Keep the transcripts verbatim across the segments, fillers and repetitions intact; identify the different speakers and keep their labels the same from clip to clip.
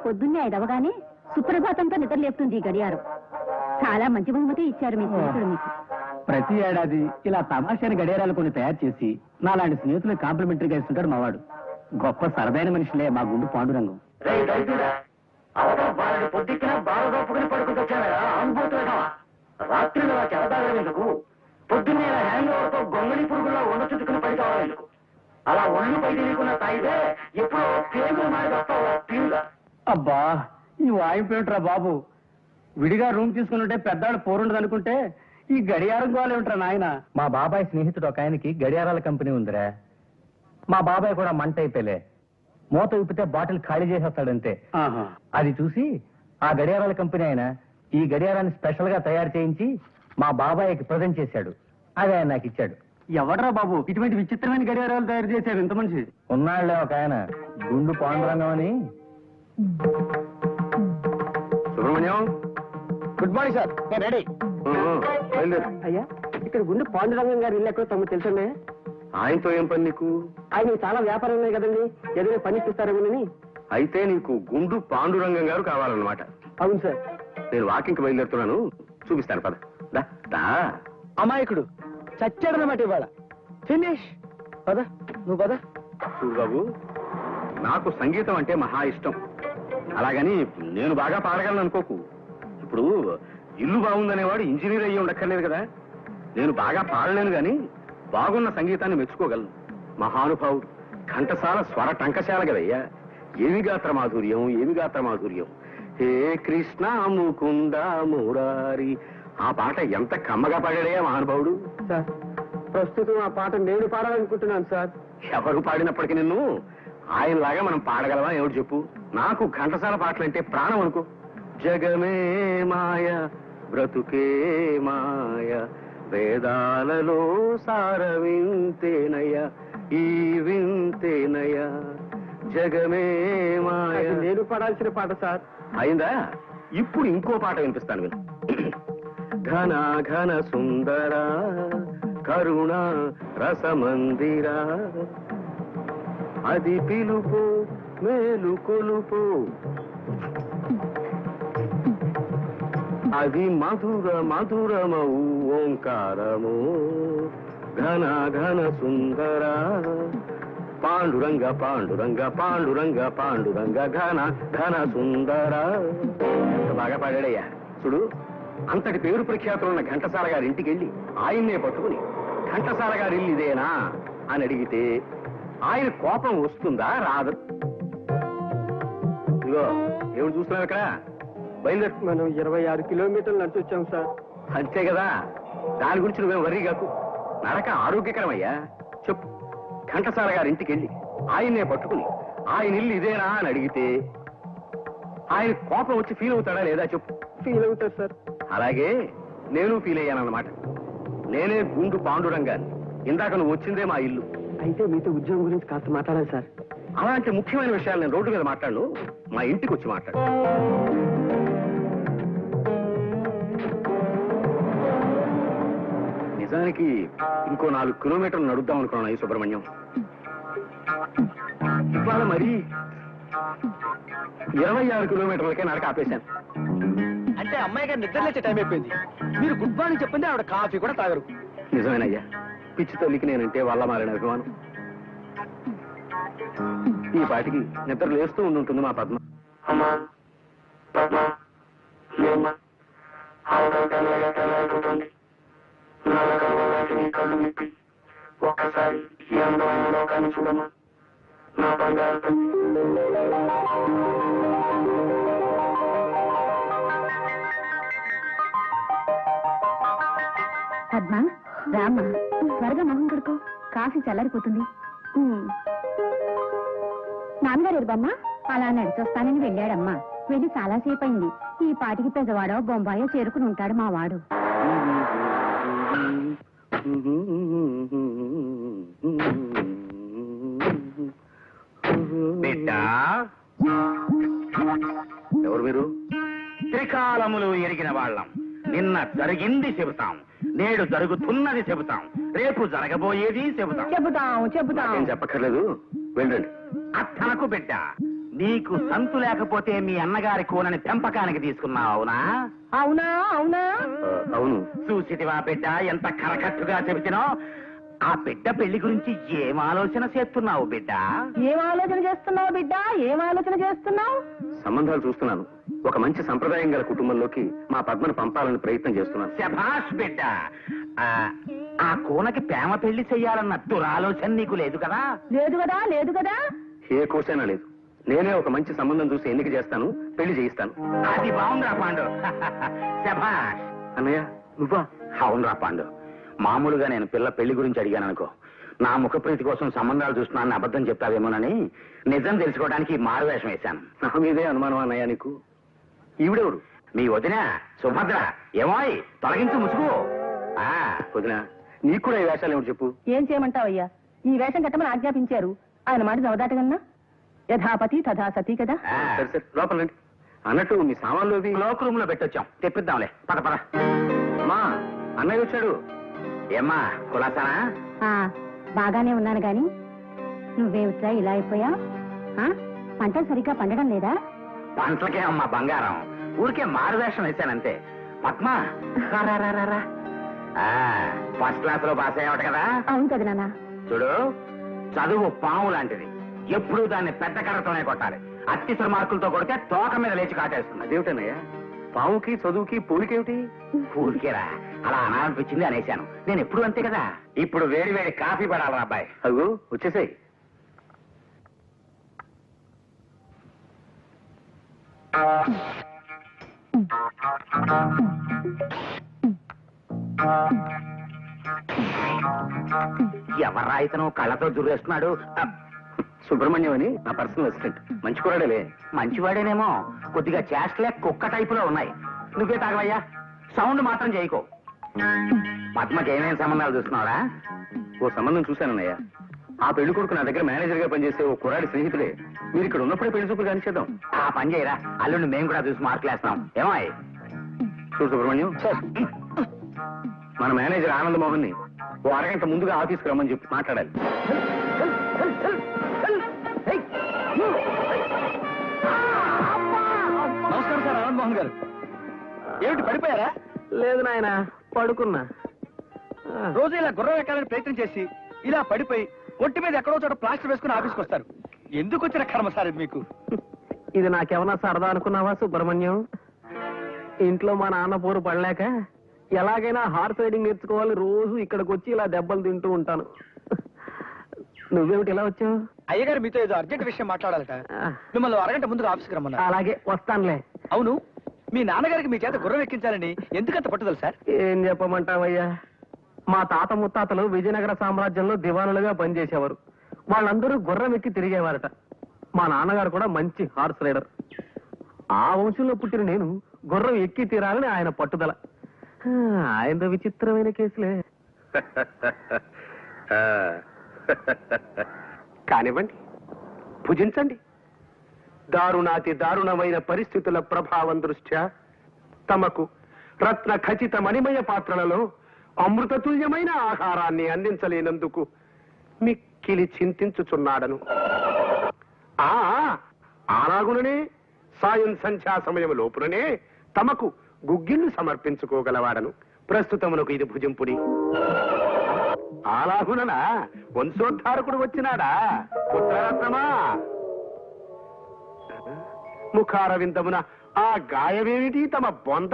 Speaker 1: పొద్దున్నే ఐదవగానే సుప్రభాతంతో నిద్ర లేపుతుంది ఈ గడియారం. చాలా మంచి బహుమతి ఇచ్చారు మీ స్నేహితుడు మీకు.
Speaker 2: ప్రతి ఏడాది ఇలా తమాషాని గడియారాలు కొన్ని తయారు చేసి నాలాంటి స్నేహితులు కాంప్లిమెంటరీగా ఇస్తుంటాడు మావాడు. గొప్ప సరదైన మనుషులే మా గుండు పాండురంగం.
Speaker 3: పొద్దుకిన బాగా దొప్పుకుని పడుకుంటొచ్చారా అనుభూతులు రాత్రిలో చెరదాగేందుకు పొద్దున్నే హ్యాంగ్ ఓవర్తో గొంగళి పురుగుల్లో వండ చుట్టుకుని పడి కావాలెందుకు? అలా ఒళ్ళు పై తెలియకుండా తాగితే ఎప్పుడో పేగులు మారి వస్తావు తీరుగా.
Speaker 2: అబ్బా ఈ వాయింపు ఏమిట్రా బాబు, విడిగా రూమ్ తీసుకుని పెద్దాడు పోరుండదు అనుకుంటే ఈ గడియారం గోలు ఏమిట్రా నాయన. మా బాబాయ్ స్నేహితుడు ఒక ఆయనకి గడియారాల కంపెనీ ఉందిరా. మా బాబాయ్ కూడా మంట అయిపోలే, మూత విప్పితే బాటిల్ ఖాళీ చేసేస్తాడంతే. అది చూసి ఆ గడియారాల కంపెనీ ఆయన ఈ గడియారాన్ని స్పెషల్ గా తయారు చేయించి మా బాబాయ్కి ప్రజెంట్ చేశాడు. అది ఆయన నాకు ఇచ్చాడు. ఎవడరా బాబు ఇటువంటి విచిత్రమైన గడియారాలు తయారు చేశారు ఇంత మనిషి? ఉన్నాళ్లే ఒక ఆయన, గుండు పాండురంగం అని.
Speaker 3: Subrahmanyam,
Speaker 2: good morning sir. నేను రెడీ. అయ్యా, ఇక్కడ గుండు పాండురంగం గారు ఇల్లు ఎక్కడో తమకు తెలుసండి.
Speaker 3: ఆయనతో ఏం పని నీకు?
Speaker 2: ఆయన చాలా వ్యాపారం ఉన్నాయి కదండి, ఏదైనా పని ఇప్పిస్తారేమోనని.
Speaker 3: అయితే నీకు గుండు పాండురంగం గారు కావాలన్నమాట.
Speaker 2: అవును సార్.
Speaker 3: నేను వాకింగ్కి బయలుదేరుతున్నాను, చూపిస్తాను పద. దా
Speaker 2: అమాయకుడు చచ్చాడనమాట ఇవాళ. ఫినిష్. పద నువ్వు పద.
Speaker 3: చూడు బాబు, నాకు సంగీతం అంటే మహా ఇష్టం. అలాగని నేను బాగా పాడగలను అనుకోకు. ఇప్పుడు ఇల్లు బాగుందనేవాడు ఇంజనీర్ అయ్యి ఉండక్కర్లేదు కదా. నేను బాగా పాడలేను గాని బాగున్న సంగీతాన్ని మెచ్చుకోగలను. మహానుభావుడు, ఘంటసాల స్వర టంకశాల కదయ్యా. ఏమి గాత్ర మాధుర్యం, ఏమి గాత్ర మాధుర్యం. హే కృష్ణ ముకుంద మురారి, ఆ పాట ఎంత కమ్మగా పాడాడయ్యా మహానుభావుడు.
Speaker 2: సార్, ప్రస్తుతం ఆ పాట నేను పాడాలనుకుంటున్నాను సార్.
Speaker 3: ఎవరు పాడినప్పటికీ నిన్ను ఆయనలాగా మనం పాడగలవా ఏమిటి చెప్పు? నాకు ఘంటసాల పాటలంటే ప్రాణం అనుకో. జగమే మాయ బ్రతుకే మాయ, వేదాలలో సార వింతేనయ, ఈ వింతేనయ, జగమే మాయ.
Speaker 2: నేను పాడాల్సిన పాట సార్.
Speaker 3: అయిందా? ఇప్పుడు ఇంకో పాట వినిపిస్తాను విను. ఘన ఘన సుందర కరుణ రసమందిర, అది పిలుపు మేలు కొలుపు, అది మధుర మధురమౌ ఓంకారము. ఘన ఘన సుందర పాండురంగ పాండురంగ పాండురంగ పాండురంగ ఘన ఘన సుందర. ఎంత బాగా పాడాడయ్యా. చూడు, అంతటి పేరు ప్రఖ్యాతులున్న ఘంటసాల గారి ఇంటికి వెళ్ళి ఆయన్నే పట్టుకుని ఘంటసాల గారి ఇల్లు ఇదేనా అని అడిగితే ఆయన కోపం వస్తుందా రాదు? ఇదిగో ఎవరు చూస్తున్నావు ఇక్కడ? బయలుదేరు.
Speaker 2: మనం ఇరవై ఆరు కిలోమీటర్లు నడిచి వచ్చాం సార్.
Speaker 3: అంతే కదా, దాని గురించి నువ్వేం వర్రీ కాకు. నడక ఆరోగ్యకరమయ్యా. చెప్పు, ఘంటసాల గారి ఇంటికి వెళ్ళి ఆయన్నే పట్టుకుని ఆయన ఇల్లు ఇదేనా అని అడిగితే ఆయన కోపం వచ్చి ఫీల్ అవుతాడా లేదా చెప్పు?
Speaker 2: ఫీల్ అవుతారు సార్.
Speaker 3: అలాగే నేను ఫీల్ అయ్యానన్నమాట. నేనే గుండు పాండురంగాన్ని. ఇందాక నువ్వు వచ్చిందే మా ఇల్లు.
Speaker 2: అయితే మీతో ఉద్యోగం గురించి కాస్త మాట్లాడాలి సార్.
Speaker 3: అలాంటి ముఖ్యమైన విషయాలు నేను రోడ్డు మీద మాట్లాడను, మా ఇంటికి వచ్చి మాట్లాడు. నిజానికి ఇంకో నాలుగు కిలోమీటర్లు నడుద్దాం అనుకున్నాను ఈ సుబ్రహ్మణ్యం. ఇవాళ మరి ఇరవై ఆరు కిలోమీటర్లకే నడక ఆపేశాను.
Speaker 2: అంటే అమ్మాయి గారు నిద్ర లేచే టైం అయిపోయింది. మీరు గుడ్ మార్నింగ్ చెప్పింది ఆవిడ కాఫీ కూడా తాగరు.
Speaker 3: నిజమేనయ్యా, పిచ్చి తల్లికి నేనంటే వల్ల మారిన అభిమానం. ఈ పాటికి నిద్ర లేస్తూ ఉండుంటుంది మా పద్మ. ఒక్కసారి ఈ అందమైన లోకాన్ని చూడమా నా బంగారు.
Speaker 1: పద్మ, రామ్మా, త్వరగా మొహం కడుకో, కాఫీ చల్లారిపోతుంది. నాన్నగారు ఎరుబమ్మా అలా నడిచొస్తానని వెళ్ళాడమ్మా. వెళ్ళి చాలాసేపు అయింది. ఈ పాటికి పెద్దవాడో బొంబాయో చేరుకుని ఉంటాడు మా వాడు.
Speaker 3: ఎవరు మీరు?
Speaker 4: త్రికాలములు ఎరిగిన వాళ్ళం. నిన్న జరిగింది చెబుతాం, నేడు జరుగుతున్నది చెబుతాం, రేపు జరగబోయేది చెబుతాం.
Speaker 1: చెబుతాం చెబుతాం
Speaker 3: ఏం చెప్పక్కర్లేదు, వెళ్ళండి.
Speaker 4: అత్తనకు బిడ్డ, నీకు సంతు లేకపోతే మీ అన్నగారి కూనని పెంపకానికి తీసుకున్నావు అవునా
Speaker 1: అవునా అవునా
Speaker 3: అవును.
Speaker 4: చూసిటివా బిడ్డ ఎంత కరకట్టుగా చెబుతున్నావు. ఆ బిడ్డ పెళ్లి గురించి ఏం ఆలోచన చేస్తున్నావు బిడ్డ?
Speaker 1: ఏం ఆలోచన చేస్తున్నావు బిడ్డ? ఏం ఆలోచన చేస్తున్నావు?
Speaker 3: సంబంధాలు చూస్తున్నాను. ఒక మంచి సంప్రదాయం గల కుటుంబంలోకి మా పద్మను పంపాలని ప్రయత్నం చేస్తున్నాను.
Speaker 4: శభాష్ బిడ్డ. ఆ, ఆ కూనకి ప్రేమ పెళ్లి చెయ్యాలన్న దురాలోచన నీకు లేదు కదా?
Speaker 1: లేదు కదా లేదు కదా
Speaker 3: ఏ కోసైనా లేదు. నేనే ఒక మంచి సంబంధం చూసి ఎన్నిక చేస్తాను, పెళ్లి చేయిస్తాను.
Speaker 4: అది బాగుందిరా పాండు. శభాష్.
Speaker 3: అన్నయ్య నువ్వా?
Speaker 4: అవునరా పాండు. మామూలుగా నేను పిల్ల పెళ్లి గురించి అడిగాను అనుకో, నా ముఖప్రీతి కోసం సంబంధాలు చూస్తున్నానని అబద్ధం చెప్తావేమోనని నిజం తెలుసుకోవడానికి మారువేషం వేశాను.
Speaker 3: నా మీదే అనుమానం అన్నయ్య నీకు. ఈవిడెవడు?
Speaker 4: మీ వదిన సుభద్ర. ఏమోయ్ తొలగించు ముసుగు. ఆ,
Speaker 3: వదిన నీకు కూడా ఈ వేషాలు ఏమిటి చెప్పు.
Speaker 1: ఏం చేయమంటావయ్యా? ఈ వేషం కట్టమని ఆజ్ఞాపించారు. ఆయన మాట జవదాటగన్నా యథాపతి తథా సతీ కదా.
Speaker 4: ఆ,
Speaker 3: సరే సరే లోపల రండి. అన్నట్టు మీ సామాన్లు అవి
Speaker 4: క్లోక్ రూమ్ లో పెట్టొచ్చాం, తెప్పిద్దాంలే. పద పద.
Speaker 3: అమ్మా అన్నయ్య వచ్చాడు.
Speaker 4: ఏమ్మా కులాసానా?
Speaker 1: ఆ, బాగానే ఉన్నాను గాని నువ్వేమిట్రా ఇలా అయిపోయా? పంటలు సరిగ్గా పండడం లేదా?
Speaker 4: పంటలకే అమ్మా బంగారం. ఊరికే మారువేషం వేశానంతే. పద్మ రా, రా, రా, రా, రా. ఆ, ఫస్ట్ క్లాస్ లో పాస్ అయ్యావట కదా?
Speaker 1: అవును కదా నాన్న.
Speaker 4: చూడు, చదువు పాము లాంటిది. ఎప్పుడూ దాన్ని పెద్ద కర్రతోనే కొట్టాలి. అత్యవసర మార్కులతో కొడితే తోక మీద లేచి కాటేస్తుంది.
Speaker 3: అదేమిటన్నయ్య? పావుకి చదువుకి పూలికేమిటి?
Speaker 4: ఊరికేరా, అలా అనాలనిపించింది అనేశాను. నేను ఎప్పుడు అంతే కదా. ఇప్పుడు వేడి వేడి కాఫీ పడాలరా అబ్బాయి.
Speaker 3: అగు వచ్చేసాయి.
Speaker 4: ఎవరా ఇతను కళ్ళతో దుర్రేస్తున్నాడు? అబ్,
Speaker 3: సుబ్రహ్మణ్యం అని నా పర్సనల్ అసిస్టెంట్. మంచి కూడాడేలే.
Speaker 4: మంచివాడేనేమో, కొద్దిగా చేష్టలే కుక్క టైపులో ఉన్నాయి. నువ్వే తాగవయ్యా, సౌండ్ మాత్రం చేయకో. పద్మకి ఏమేమి సంబంధాలు చూస్తున్నావురా?
Speaker 3: ఓ సంబంధం చూశానన్నయ్య. ఆ పెళ్లి కొడుకు నా దగ్గర మేనేజర్ గా పనిచేసే ఓ కుర్రాడి స్నేహితుడే. మీరు ఇక్కడ ఉన్నప్పుడే పెళ్లి చూపులు కానిచేద్దాం.
Speaker 4: ఆ పని చేయరా, అల్లుండి మేము కూడా చూసి మార్కులేస్తాం. ఏమాయ్?
Speaker 3: చూడు సుబ్రహ్మణ్యం, మన మేనేజర్ ఆనంద్ మోహన్ ని ఓ అరగంట ముందుగా ఆఫీస్కి రమ్మని చెప్పి మాట్లాడాలి.
Speaker 2: నమస్కారం సార్ ఆనంద్ మోహన్ గారు. ఏమిటి పడిపోయారా?
Speaker 3: లేదు నాయన, పడుకున్నా.
Speaker 2: రోజు ఇలా గుర్రం ఎక్కాలని ప్రయత్నం చేసి ఇలా పడిపోయి ఒంటి మీద ఎక్కడో చోట ప్లాస్టర్ వేసుకుని ఆఫీస్కి వస్తారు. ఎందుకు వచ్చిన కర్మ సార్ ఇది మీకు?
Speaker 3: ఇది నాకేమన్నా సరదా అనుకున్నావా సుబ్రహ్మణ్యం? ఇంట్లో మా నాన్న పోరు పడలేక ఎలాగైనా హార్స్ రైడింగ్ నేర్చుకోవాలి, రోజు ఇక్కడికి వచ్చి ఇలా దెబ్బలు తింటూ ఉంటాను. నువ్వేమిటి ఇలా వచ్చావు?
Speaker 2: అయ్యగారు మీతో ఏదో అర్జెంట్ విషయం మాట్లాడాలట. మిమ్మల్ని అరగంట ముందుగా ఆఫీస్కి రమ్మన్నా.
Speaker 3: అలాగే వస్తానులే.
Speaker 2: అవును, మీ నాన్నగారికి మీ చేత గుర్రం ఎక్కించాలని ఎందుకంత పట్టుదల సార్?
Speaker 3: ఏం చెప్పమంటావయ్యా, మా తాత ముత్తాతలు విజయనగర సామ్రాజ్యంలో దివానులుగా పనిచేసేవారు. వాళ్ళందరూ గుర్రం ఎక్కి తిరిగేవారట. మా నాన్నగారు కూడా మంచి హార్స్ రైడర్. ఆ వంశంలో పుట్టిన నేను గుర్రం ఎక్కి తీరాలని ఆయన పట్టుదల. ఆయన విచిత్రమైన కేసులే. కానివ్వండి, భుజించండి. దారుణాతి దారుణమైన పరిస్థితుల ప్రభావం దృష్ట్యా తమకు రత్న ఖచ్చిత మణిమయ పాత్రలలో అమృతతుల్యమైన ఆహారాన్ని అందించలేనందుకు మిక్కిలి చింతించుచున్నాడను. ఆ అలాగుననే సాయం సంధ్యా సమయం లోపుననే తమకు గుగ్గిళ్ళు సమర్పించుకోగలవాడను. ప్రస్తుతమునకు ఇది భుజింపుడి. అలాగుననా వంశోద్ధారకుడు వచ్చినాడా? పుత్రరత్నమా, ముఖారవిందమున ఆ గాయమేమిటి తమ బొంద?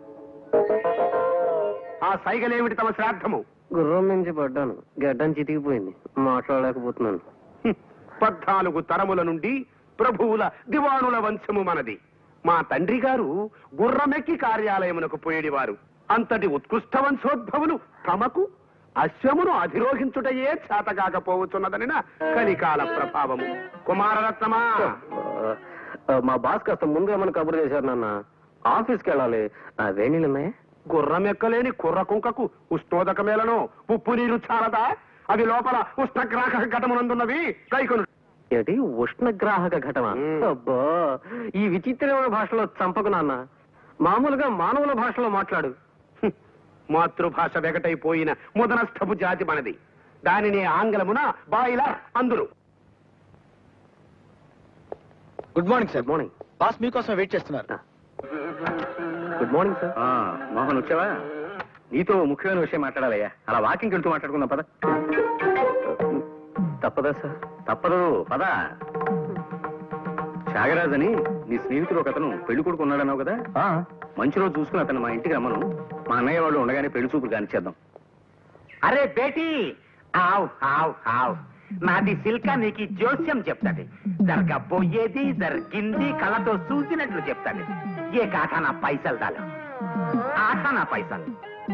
Speaker 3: ఆ సైగలేమిటి తమ శ్రాద్ధము?
Speaker 5: గుర్రం నుంచి పడ్డాను, గడ్డం చితికిపోయింది, మాట్లాడలేకపోతున్నాను.
Speaker 3: హ్మ్. పద్నాలుగు తరముల నుండి ప్రభువుల దివానుల వంశము మనది. మా తండ్రి గారు గుర్రమెక్కి కార్యాలయమునకు పోయేడివారు. అంతటి ఉత్కృష్ట వంశోద్భవులు తమకు అశ్వమును అధిరోహించుటయే చేతకాకపోవచ్చున్నదనిన కలికాల ప్రభావము. కుమారరత్నమా,
Speaker 5: మా బాస్ కాస్త ముందుగా మన కబురు చేశారు నాన్న. ఆఫీస్కి వెళ్ళాలి. వేణీళ్ళు ఉన్నాయా?
Speaker 3: గుర్రం ఎక్కలేని కుర్ర కుంకకు ఉష్ణోదకమేలను ఉప్పు నీరు చాలదా? అవి లోపల ఉష్ణగ్రాహక ఘటమునందున్నవి. కైకొను
Speaker 5: ఏంటి ఉష్ణగ్రాహక ఘటన?
Speaker 3: మ్మ్.
Speaker 5: అబ్బా, ఈ విచిత్రమైన భాషలో చంపకు నాన్న. మామూలుగా మానవుల భాషలో మాట్లాడు.
Speaker 3: హ్మ్. మాతృభాష వెగటైపోయిన ముదనస్థపు జాతి మనది. దానిని ఆంగ్లమున బాయిలర్ అందురు.
Speaker 6: Good morning sir.
Speaker 5: Good morning.
Speaker 6: Boss మీకోసం వెయిట్ చేస్తున్నారు.
Speaker 5: Good morning sir.
Speaker 3: ఆ, మోహన్ వచ్చావా? నీతో ముఖ్యమైన విషయం మాట్లాడాలయ్యా. అలా వాకింగ్ వెళ్తూ మాట్లాడుకుందాం పద.
Speaker 5: తప్పదా సార్?
Speaker 3: తప్పదు పద. త్యాగరాజ్ అని నీ స్నేహితుడు ఒక అతను పెళ్లి కొడుకు ఉన్నాడన్నావు కదా, మంచి రోజు చూసుకుని అతను మా ఇంటికి రమ్మను. మా అన్నయ్య వాళ్ళు ఉండగానే పెళ్లి చూపులు కానిచ్చేద్దాం.
Speaker 4: అరే బేటీ, ఆవ్ ఆవ్ ఆవ్, నాది సిల్క నీకు జోస్యం చెప్తాది. జరగబోయేది జరిగింది కళ్ళతో చూసినట్లు చెప్తాది. ఏ కాకా నా పైసలు దాలు, ఆట నా పైసలు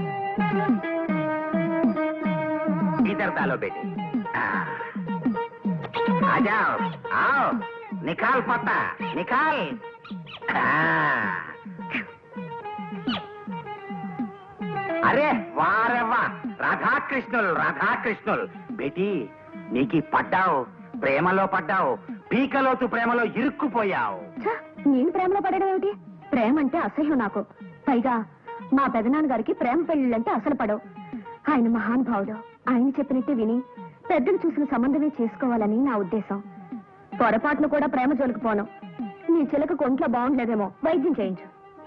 Speaker 4: ఇద్దరు దాలో బేటీ. ఆజాओ आओ, निकाल पता निकाल. అరే వారే వా, రాధాకృష్ణులు రాధాకృష్ణులు. బేటీ నీకు పడ్డావు, ప్రేమలో పడ్డావు, పీకలోతు ప్రేమలో ఇరుక్కుపోయావు.
Speaker 1: ఛ, నేను ప్రేమలో పడడం ఏమిటి? ప్రేమ అంటే అసహ్యం నాకు. పైగా మా పెదనాన్నగారికి ప్రేమ పెళ్లిళ్ళంటే అసలు పడవు. ఆయన మహానుభావుడు. ఆయన చెప్పినట్టే విని పెద్దలు చూసిన సంబంధమే చేసుకోవాలని నా ఉద్దేశం. పొరపాటును కూడా ప్రేమ జోలికి పోను. నీ చిలక కొంట్లో బాగుండలేదేమో, వైద్యం చేయించు.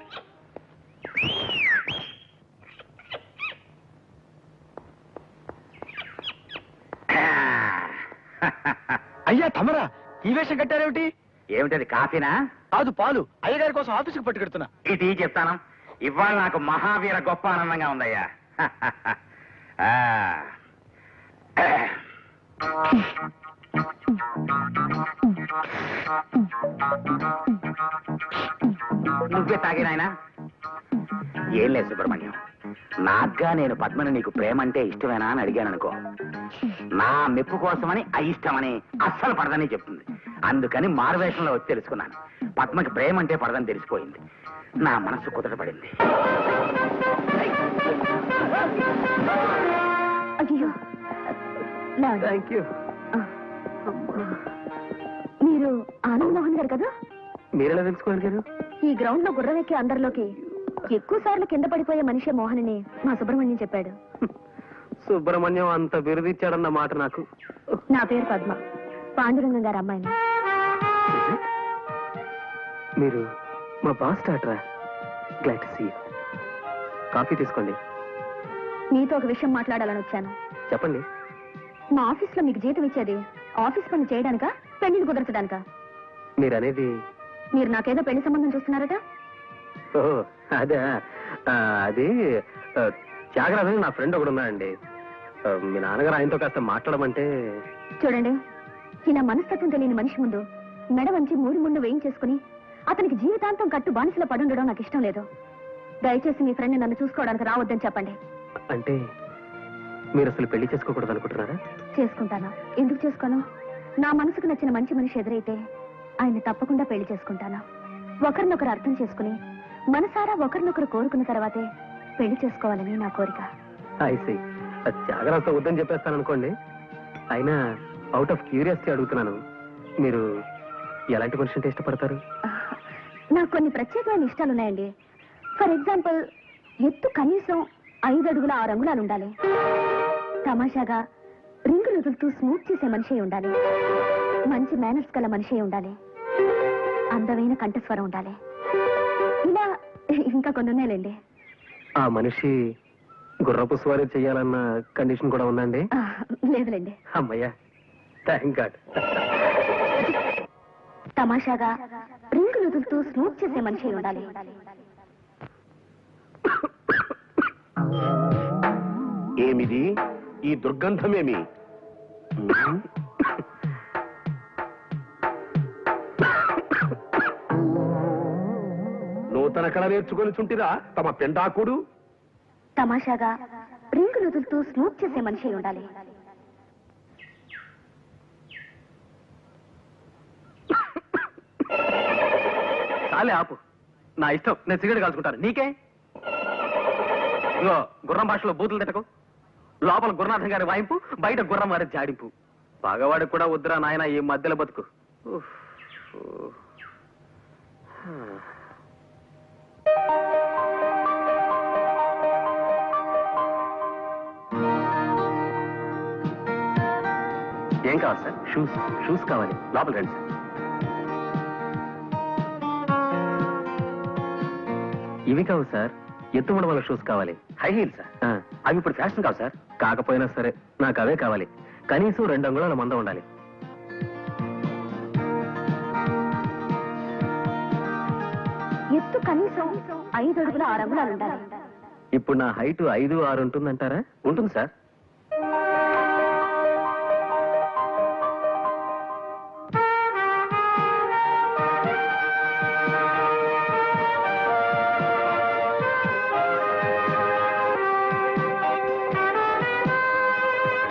Speaker 6: అయ్యా తమరా, ఈ వేషం కట్టారేమిటి?
Speaker 4: ఏమిటది, కాఫీనా?
Speaker 6: కాదు, పాలు. అయ్యగారి కోసం ఆఫీసుకు పట్టుకెడుతున్నా.
Speaker 4: ఇది చెప్తాను. ఇవాళ నాకు మహావీర గొప్ప ఆనందంగా ఉందయ్యా. ఆ. నువ్వే తాగినాయనా? ఏం లేదు సుబ్రహ్మణ్యం, నాగ్గా నేను పద్మని నీకు ప్రేమ అంటే ఇష్టమేనా అని అడిగాను అనుకో, నా మెప్పు కోసమని అయిష్టమని అస్సలు పడదని చెప్తుంది. అందుకని మారువేషంలో వచ్చి తెలుసుకున్నాను. పద్మకి ప్రేమ అంటే పడదని తెలిసిపోయింది. నా మనసు కుదరపడింది.
Speaker 1: అయ్యో,
Speaker 5: థ్యాంక్ యూ.
Speaker 1: మీరు ఆనంద్ మోహన్ గారు కదా?
Speaker 5: మీరెలా తెలుసుకోగలిగారు?
Speaker 1: ఈ గ్రౌండ్ లో గుర్రం ఎక్కి అందరిలోకి ఎక్కువ సార్లు కింద పడిపోయే మనిషే మోహన్ అని మా సుబ్రహ్మణ్యం చెప్పాడు.
Speaker 5: సుబ్రహ్మణ్యం అంత బిరుదిచ్చాడన్న మాట నాకు.
Speaker 1: నా పేరు పద్మ, పాండురంగం గారు అమ్మాయిని.
Speaker 5: మీరు మా బాస్ డాక్టరా? Glad to see you. Coffee తీసుకోండి.
Speaker 1: మీతో ఒక విషయం మాట్లాడాలని వచ్చాను.
Speaker 5: చెప్పండి.
Speaker 1: మా ఆఫీస్ లో మీకు జీతం ఇచ్చేది ఆఫీస్ పని చేయడానికా, పెళ్లిని కుదర్చడానికా?
Speaker 5: మీరు అనేది?
Speaker 1: మీరు నాకేదో పెళ్లి సంబంధం చూస్తున్నారట.
Speaker 5: ఓ అదే, ఆ, అది ఆ, త్యాగరాజు నా ఫ్రెండ్ ఒకడు ఉన్నాడండి. ఆ, మీ నాన్నగారు ఆయనతో కాస్త మాట్లాడమంటే.
Speaker 1: చూడండి, ఈయన మనస్తత్వం తెలియని మనిషి ముందు మెడ వంచి మూడు ముందు వేయించేసుకుని అతనికి జీవితాంతం కట్టు బానిసలో పడుండడం నాకు ఇష్టం లేదు. దయచేసి మీ ఫ్రెండ్ నన్ను చూసుకోవడానికి రావద్దని చెప్పండి.
Speaker 5: అంటే మీరు అసలు పెళ్లి చేసుకోకూడదు అనుకుంటున్నారా?
Speaker 1: చేసుకుంటాను. ఎందుకు చేసుకోను? నా మనసుకు నచ్చిన మంచి మనిషి ఎదురైతే ఆయన్ని తప్పకుండా పెళ్లి చేసుకుంటాను. ఒకరినొకరు అర్థం చేసుకుని మనసారా ఒకరినొకరు కోరుకున్న తర్వాతే పెళ్లి చేసుకోవాలని నా కోరిక.
Speaker 5: ఐసీ. త్యాగరాజుతో వద్దని చెప్పేస్తాను అనుకోండి. అయినా అవుట్ ఆఫ్ క్యూరియాసిటీ అడుగుతున్నాను, మీరు ఎలాంటి మనిషి అంటే ఇష్టపడతారు?
Speaker 1: నాకు కొన్ని ప్రత్యేకమైన ఇష్టాలున్నాయండి. ఫర్ ఎగ్జాంపుల్, ఎత్తు కనీసం ఐదు అడుగుల ఆరు అంగుళాలు ఉండాలి. తమాషాగా రింగులు వదులుతూ స్మూత్ చేసే మనిషి ఉండాలి. మంచి మేనర్స్ గల మనిషి ఉండాలి. అందమైన కంఠస్వరం ఉండాలి. ఇలా ఇంకా కొన్ని ఉన్నాయిలేండి.
Speaker 5: ఆ మనిషి గుర్రపు స్వారీ చెయ్యాలన్న కండిషన్ కూడా ఉందండి?
Speaker 1: ఆ, లేదులేండి.
Speaker 5: అమ్మయ్యా, థ్యాంక్ గాడ్.
Speaker 1: తమాషాగా రింగులు వదులుతూ స్మూత్ చేసే మనిషి ఉండాలి.
Speaker 3: ఏమిది ఈ దుర్గంధమేమి? నూతన కళ నేర్చుకొని చుంటిరా తమ పెండాకుడు?
Speaker 1: తమాషాగా రింగులు వదులుతూ స్మూత్ చేసే మనిషి ఉండాలి.
Speaker 2: చాలే ఆపు. నా ఇష్టం, నేను సిగరెట్ కాల్చుకుంటాను. నీకే? ఇగో గుర్రం భాషలో బూతులు తిట్టకు. లోపల గురునాథం గారి వాయింపు, బయట గుర్రం వారి జాడింపు. పగవాడికి కూడా వద్దురా నాయన ఈ మధ్యలో బతుకు. ఉఫ్. ఏం కావాలి సార్? షూస్. షూస్ కావాలి. లోపల రండి సార్.
Speaker 5: ఇవి కావు సార్, ఎత్తు మడమల షూస్ కావాలి.
Speaker 3: High heel sir.
Speaker 5: ఆ,
Speaker 3: అవి ఇప్పుడు ఫ్యాషన్ కావు సార్.
Speaker 5: కాకపోయినా సరే నాకు అవే కావాలి. కనీసం రెండు అంగుళాల మందం ఉండాలి.
Speaker 1: ఎత్తు కనీసం ఐదు అడుగుల ఆరు అంగుళాలు ఉండాలి.
Speaker 5: ఇప్పుడు నా హైట్ ఐదు ఆరు ఉంటుందంటారా?
Speaker 3: ఉంటుంది సార్.